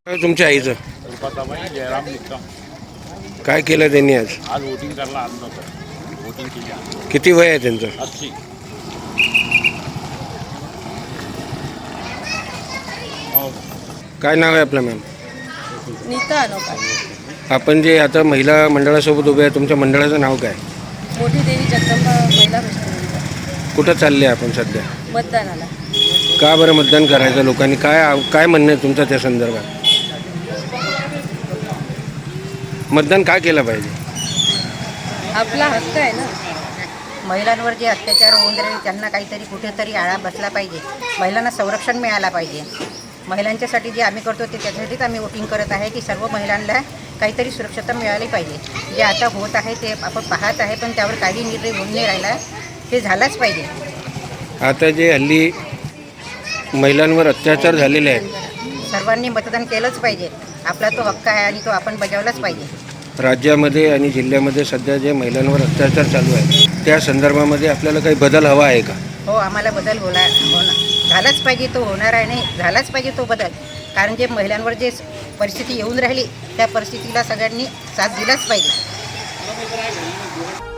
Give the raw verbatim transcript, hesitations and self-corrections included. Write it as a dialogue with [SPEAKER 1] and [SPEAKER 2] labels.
[SPEAKER 1] काय तुमच्या आईचं
[SPEAKER 2] रुपाताबाई जयराम निकम.
[SPEAKER 1] काय केलं त्यांनी आज?
[SPEAKER 2] आज वोटिंग करायला आलं नव्हतं. वोटिंग केली.
[SPEAKER 1] किती वय आहे त्यांचं?
[SPEAKER 2] अस्सी.
[SPEAKER 1] काय नाव आहे आपलं मॅम?
[SPEAKER 3] नीता अनोखा.
[SPEAKER 1] आपण जे आता महिला मंडळासोबत उभे आहे, तुमच्या मंडळाचं नाव काय?
[SPEAKER 3] मोठी देवी जगदंबा महिला हॉस्पिटल.
[SPEAKER 1] कुठं चालले आपण सध्या?
[SPEAKER 3] मतदानाला.
[SPEAKER 1] का बरं मतदान करायचं? लोकांनी काय काय म्हणणं आहे तुमचं त्या संदर्भात? मतदान काय केलं पाहिजे?
[SPEAKER 3] आपला हक्क आहे ना.
[SPEAKER 4] महिलांवर जे अत्याचार होऊन राहिले त्यांना काहीतरी कुठेतरी आळा बसला पाहिजे. महिलांना संरक्षण मिळालं पाहिजे. महिलांच्यासाठी जे आम्ही करतो ते त्याच्यासाठीच आम्ही वोटिंग करत आहे की सर्व महिलांना काहीतरी सुरक्षता मिळाली पाहिजे. जे आता होत आहे ते आपण पाहत आहे, पण त्यावर काही निर्णय होऊन नाही राहिला. ते झालंच पाहिजे.
[SPEAKER 1] आता जे हल्ली महिलांवर अत्याचार झालेले आहेत,
[SPEAKER 4] सर्वांनी मतदान केलंच पाहिजे. आपला तो हक्क आहे आणि तो आपण बजावलाच पाहिजे.
[SPEAKER 1] राज्यामध्ये आणि जिल्ह्यामध्ये सध्या जे महिलांवर अत्याचार चालू आहे त्या संदर्भामध्ये आपल्याला काही बदल हवा आहे का?
[SPEAKER 4] हो, आम्हाला बदल होला होणार झालाच पाहिजे. तो होणार आहे नाही, झालाच पाहिजे तो बदल. कारण जे महिलांवर जे परिस्थिती येऊन राहिली त्या परिस्थितीला सगळ्यांनी साथ दिलाच पाहिजे.